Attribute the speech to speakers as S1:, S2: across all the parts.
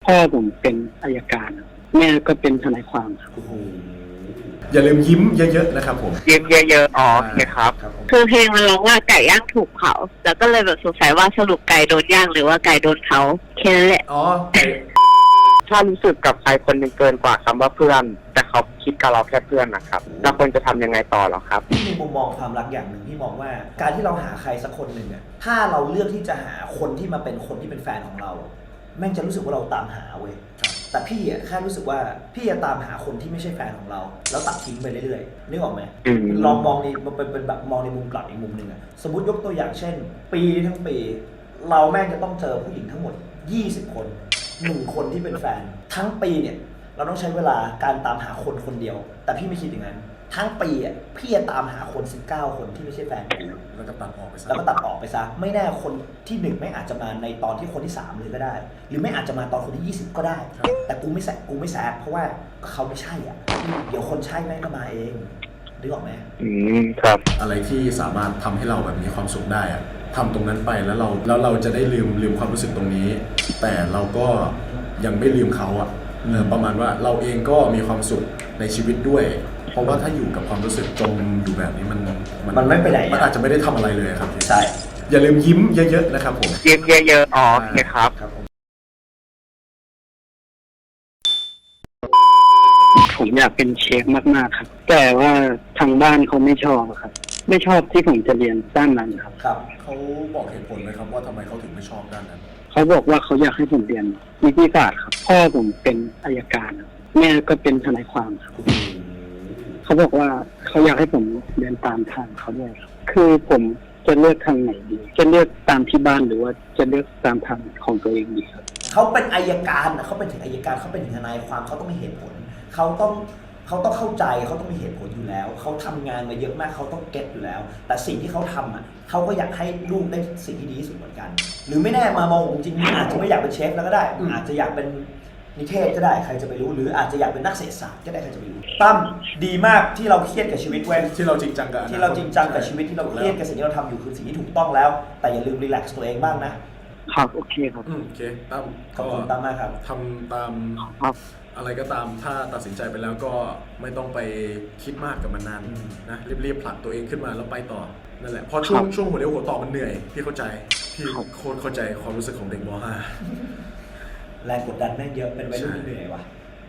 S1: พ่อผมเป็นอัยการแม่ก็เป็นทนายความครับ
S2: อย่าลืมยิ้มเยอะๆนะครับผม
S3: ยิ้มเยอะๆอ๋อโอเคครับ
S4: คือเพลงมันร้องว่าไก่ย่างถูกเผาแล้วก็เลยแบบสงสัยว่าสรุปไก่โดนย่างหรือว่าไก่โดนเผาแค่นั้นแหละ
S2: อ๋อ
S3: ถ้ารู้สึกกับใครคนหนึ่งเกินกว่าคำว่าเพื่อน แต่เขาคิดกับเราแค่เพื่อนนะครับเราควรจะทำยังไงต่อหรอครับ
S5: ที่มีมุมมองความรักอย่างหนึ่งที่มองว่าการที่เราหาใครสักคนหนึ่งอ่ะถ้าเราเลือกที่จะหาคนที่มาเป็นคนที่เป็นแฟนของเราแม่งจะรู้สึกว่าเราตามหาเว้ยแต่พี่อ่ะแค่รู้สึกว่าพี่จะตามหาคนที่ไม่ใช่แฟนของเราแล้วตัดทิ้งไปเรื่อยๆนึกออกไหมลองมองในมันเป็นแบบมองในมุมกลับอีกมุมหนึ่งอ่ะสมมติยกตัวอย่างเช่น ปีทั้งปีเราแม่งจะต้องเจอผู้หญิงทั้งหมด20คน1คนที่เป็นแฟนทั้งปีเนี่ยเราต้องใช้เวลาการตามหาคนคนเดียวแต่พี่ไม่คิดอย่างนั้นทั้งปีอ่ะพี่จะตามหาคน19คนที่ไม่ใช่แฟนกู
S2: แล้วก็ตัดออกไปซะ
S5: แล้วก็ตัดออกไปซะไม่แน่คนที่1ไม่อาจจะมาในตอนที่คนที่3เลยก็ได้ หรือไม่อาจจะมาตอนคนที่20ก็ได้ แต่กูไม่แซกเพราะว่าเขาไม่ใช่อ่ะเดี๋ยวคนใช่แม่งก็มาเองนึกออกไหม
S3: ครับ
S2: อะไรที่สามารถทำให้เราแบบมีความสุขได้อะทำตรงนั้นไปแล้วเราจะได้ลืมความรู้สึกตรงนี้ แต่เราก็ยังไม่ลืมเขาอะประมาณว่าเราเองก็มีความสุขในชีวิตด้วย เพราะว่าถ้าอยู่กับความรู้สึกจมอยู่แบบนี้มัน
S5: ไม่ไปไหน
S2: มันอาจจะไม่ได้ทำอะไรเลยครับ
S5: ใช่
S2: อย่าลืมยิ้มเยอะๆนะครับผม
S3: ยิ้มเยอะๆอ๋อโอเคครับ
S1: ผมอยากเป็นเชฟมากๆครับ แต่ว่าทางบ้านเขาไม่ชอบครับ ไม่ชอบที่ผมจะเรียนด้านนั้นครับ
S5: ครับ
S2: เขาบอกเหตุผลไหมครับว่าทำไมเขาถึงไม่ชอบด้านนั้น
S1: เขาบอกว่าเขาอยากให้ผมเรียนนิติศาสตร์ครับพ่อผมเป็นอัยการครับแม่ก็เป็นทนายความครับเขาบอกว่าเขาอยากให้ผมเดินตามทางเขาด้วยครับคือผมจะเลือกทางไหนดีจะเลือกตามที่บ้านหรือว่าจะเลือกตามทางของตัวเองดีครับ
S5: เขาเป็นอัยการเขาเป็นถึงอัยการเขาเป็นถึงทนายความเขาต้องมีเหตุผลเขาต้องเข้าใจเขาต้องมีเหตุผลอยู่แล้วเขาทำงานมาเยอะมากเขาต้องเก็ตอยู่แล้ว แต่สิ่งที่เขาทำอ่ะเขาก็อยากให้ลูกได้สิ่งที่ดีที่สุดเหมือนกัน หรือไม่แน่มามองจริงๆอาจจะไม่อยากเป็นเชฟแล้วก็ได้อาจจะอยากเป็นนิเทศก็ได้ใครจะไปรู้หรืออาจจะอยากเป็นนักเศรษฐศาสตร์ก็ได้ใครจะไปรู้ตั้มดีมากที่เราเครียดกับชีวิตเว้ย
S2: ที่เราจริงจังกับ
S5: ที่เราจริงจังกับชีวิตที่เราเครียดกับสิ่งที่เราทำอยู่คือสิ่งที่ถูกต้องแล้ว แต่อย่าลืมรีแลกซ์ตัวเองบ้างนะครับ
S1: โอเคครับ
S2: โอเคตั้ม
S5: ขอบคุณตั้มมากครับ
S2: ทำตาม
S1: ครับ
S2: อะไรก็ตามถ้าตัดสินใจไปแล้วก็ไม่ต้องไปคิดมากกับมันนานนะรีบๆผลักตัวเองขึ้นมาแล้วไปต่อนั่นแหละเพราะช่วงหัวเลี้ยวหัวต่อมันเหนื่อยพี่เข้าใจพี่โคตรเข้าใจความรู้สึกของเด็กม .5
S5: แรงกดดันแม่งเยอะเป็นวัยรุ่นที่เหนื่อยว่ะ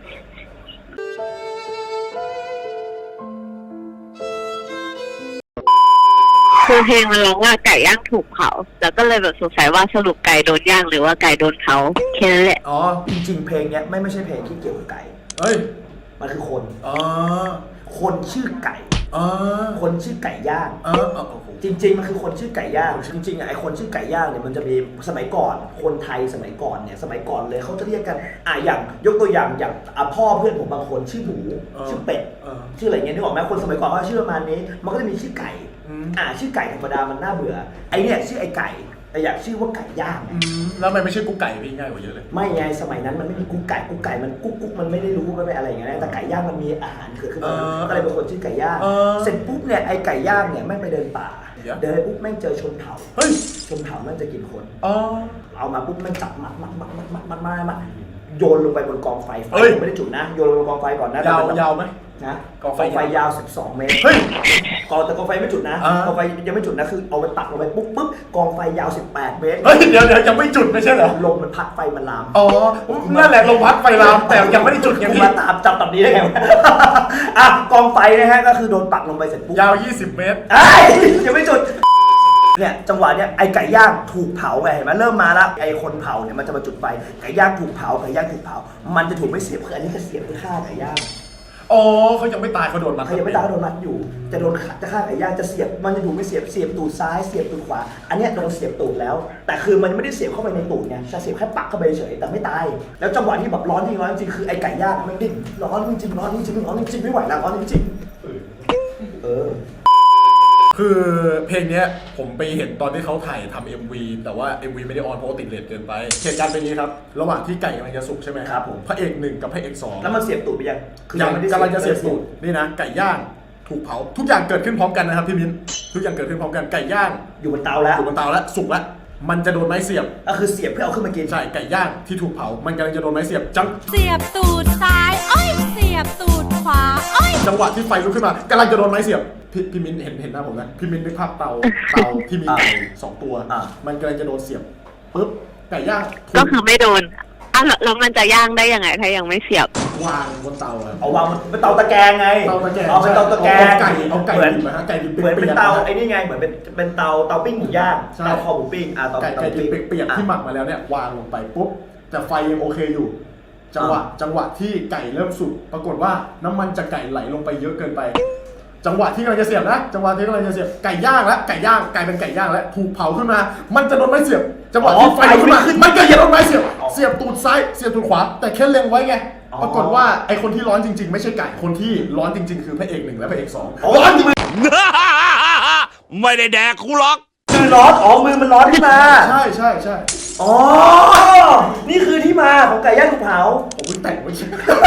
S4: คือเพลงมันร้องว่าไก่ย่างถูกเผาแล้วก็เลยแบบสงสัยว่าสรุปไก่โดนย่างหรือว่าไก่โดนเผาแค่นั้นแหละ
S2: อ๋อ
S5: จริงๆเพลงเนี้ยไม่ใช่เพลงที่เกี่ยวกับไก่
S2: เอ้ย
S5: มันคือคน
S2: อ๋อ
S5: คนชื่อไก่
S2: อ๋อ
S5: คนชื่อไก่ย่าง
S2: อ๋อโอ้โห
S5: จริงๆมันคือคนชื่อไก่ย่างจริงๆไอ้คนชื่อไก่ย่างเนี่ยมันจะมีสมัยก่อนคนไทยสมัยก่อนเนี่ยสมัยก่อนเลยเขาจะเรียกกันอย่างยกตัวอย่างพ่อเพื่อนผมบางคนชื่อหมูชื่อเป็ดชื่ออะไรเงี้ยนึกออกไหมคนสมัยก่อนเขาชื่อประมาณนี้มันก็จะมีชื่อไก่ชื่อไก่ธรรมดามันน่าเบื่อไอเนี่ยชื่อไอไก่แต่อยากชื่อว่าไก่ย่าง
S2: แล้วทำไมไม่ใช่กุ๊กไก่พี่ง่ายกว่าเยอะเลย
S5: ไม่ไงสมัยนั้นมันไม่มีกุ๊กไก่มันกุ๊กมันไม่ได้รู้มันไม่อะไรอย่างเงี้ยแต่ไก่ย่างมันมีอาหารเกิดขึ้นมาก็เลยเป็นคนชื่อไก่ย่างเสร็จปุ๊บเนี่ยไอไก่ย่างเนี่ยแม่งไปเดินป่าเดินปุ๊บแม่งเจอชนเผ่าชนเผ่าแม่งจะกินคนเอามาปุ๊บแม่งจับมัดโยนลงไปบนกองไฟไม่ได้จุดนะโยนลงบนกองไฟก่อนนะ
S2: ยาวไหม
S5: นะกองไฟยาว12เมตรแต่กองไฟไม่จุดนะกองไฟยังไม่จุดนะคือเอาไปตักลงไปปุ๊บกองไฟยาว18เมตร
S2: เดี๋ยวยังไม่จุดไม่ใช่เหรอ
S5: ลมมันพัดไฟมันลาม
S2: นั่นแหละลมพัดไฟลามแต่ยังไม่ได้จุดยัง
S5: มาจับตับนี้ได้ไงกองไฟนะฮะก็คือโดนปักลงไปเสร็จปุ๊บ
S2: ยาว20เมตร
S5: ยังไม่จุดเนี่ยจังหวะเนี้ยไอไก่ย่างถูกเผาไงเห็นไหมเริ่มมาแล้วไอคนเผาเนี่ยมันจะมาจุดไฟไก่ย่างถูกเผามันจะถูกไม่เสียบคืออันนี้ก็เสียบคือฆ่าไก่ย่าง
S2: เขายังไม่ตายเขาโดนมัด
S5: เขายังไม่ตายเขาโดนมัดอยู่จะฆ่าไก่ย่างจะเสียบมันจะถูกไม่เสียบตูดซ้ายเสียบตูดขวาอันเนี้ยโดนเสียบตูดแล้วแต่คือมันไม่ได้เสียบเข้าไปในตูดไงจะเสียบแค่ปักเข้าไปเฉยแต่ไม่ตายแล้วจังหวะที่แบบร้อนจริงคือไอไก่ย่างมันดิ้นร้อนจริงไม่ไหวแล้วร้อนจริง
S2: คือเพลงนี้ผมไปเห็นตอนที่เขาถ่ายทำ MV แต่ว่า MV ไม่ได้ออนเพราะติดเลทเกินไปเหตุการณ์เป็นนี้ครับระหว่างที่ไก่กำลังจะสุกใช่ไหม
S5: ครับผม
S2: พระเอก1กับพระเอก2
S5: แล้วมันเสียบตูดไปยัง
S2: กำลังจะเสียบตูดนี่นะไก่ย่างถูกเผาทุกอย่างเกิดขึ้นพร้อมกันนะครับพี่มิ้นทุกอย่างเกิดขึ้นพร้อมกันไก่ย่าง
S5: อยู่บนเตาแล้ว
S2: สุกแล้วมันจะโดนไม้เสียบ
S5: ก็คือเสียบเพื่อเอาขึ้นมากิน
S2: ใช่ไก่ย่างที่ถูกเผามันกำลังจะโดนไม้เสียบ
S6: เสียบตูดซ้ายอ้อยเสียบตูดขวาอ้อย
S2: จังหวะที่ไฟลุกขึ้นมากำลังจะโดนไม้เสียบพี่มิ้นเห็นหน้าผมนะพี่มิ้นนึกภาพเตาที่มีไก่2 ตัวมันกำลังจะโดนเสียบปุ๊บไก่ย่าง
S4: ก็คือไม่โดนแล้วมันจะย่างได้ยังไงถ้ายังไม่เสียบ
S2: วางบนเตาครับ
S5: เอาวางเป็นเตาตะแกรงไง
S2: เตาตะแกรง
S5: เอาเป็นเตาตะแกรง
S2: เอาไก่
S5: เหมือน
S2: ดิบนะฮะไก่ดิบ
S5: เหมือนเป็น
S2: ปียกๆ
S5: เตา
S2: นะฮะ
S5: ไอ้นี่ไงเหมือนเป็นเตาปิ้งหมูย่าง
S2: ใช่
S5: เตาคอหมูปิ้งเตา
S2: ไก่ดิบเปียกๆที่หมักมาแล้วเนี่ยวางลงไปปุ๊บแต่ไฟยังโอเคอยู่ จังหวะที่ไก่เริ่มสุกปรากฏว่าน้ำมันจากไก่ไหลลงไปเยอะเกินไป จังหวะที่กำลังจะเสียบนะจังหวะที่กำลังจะเสียบไก่ย่างแล้วไก่ย่างกลายเป็นไก่ย่างแล้วถูกเผาขึ้นมา มันจะโดนไม้เสียบ จังหวะที่ไฟลุกขึ้นมามันก็จะโดนไม้เสียบเสียบตูดซ้ายเสียบตูดขวาแต่แค่เล็งไว้ไงปรากฏว่าไอคนที่ร้อนจริงๆไม่ใช่ไก่คนที่ร้อนจริงๆคือพระเอก1และพระเอก2ร้อนจริง
S7: ไม่ได้แดกกูหรอก
S5: คือร้อนมือมันร้อนขึ้นมา
S2: ใช่
S5: อ๋อนี่คือที่มาของไก่ย่างถูกเผา
S2: ผมเพิ่งแต่งไว้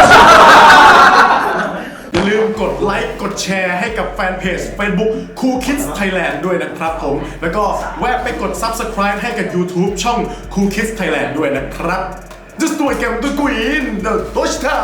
S2: อย่าลืมกดไลค์กดแชร์ให้กับแฟนเพจ Facebook Cool Kids Thailand ด้วยนะครับผมแล้วก็แวะไปกด Subscribe ให้กับ YouTube ช่อง Cool Kids Thailand ด้วยนะครับ Just do it again, do it in the Deutsch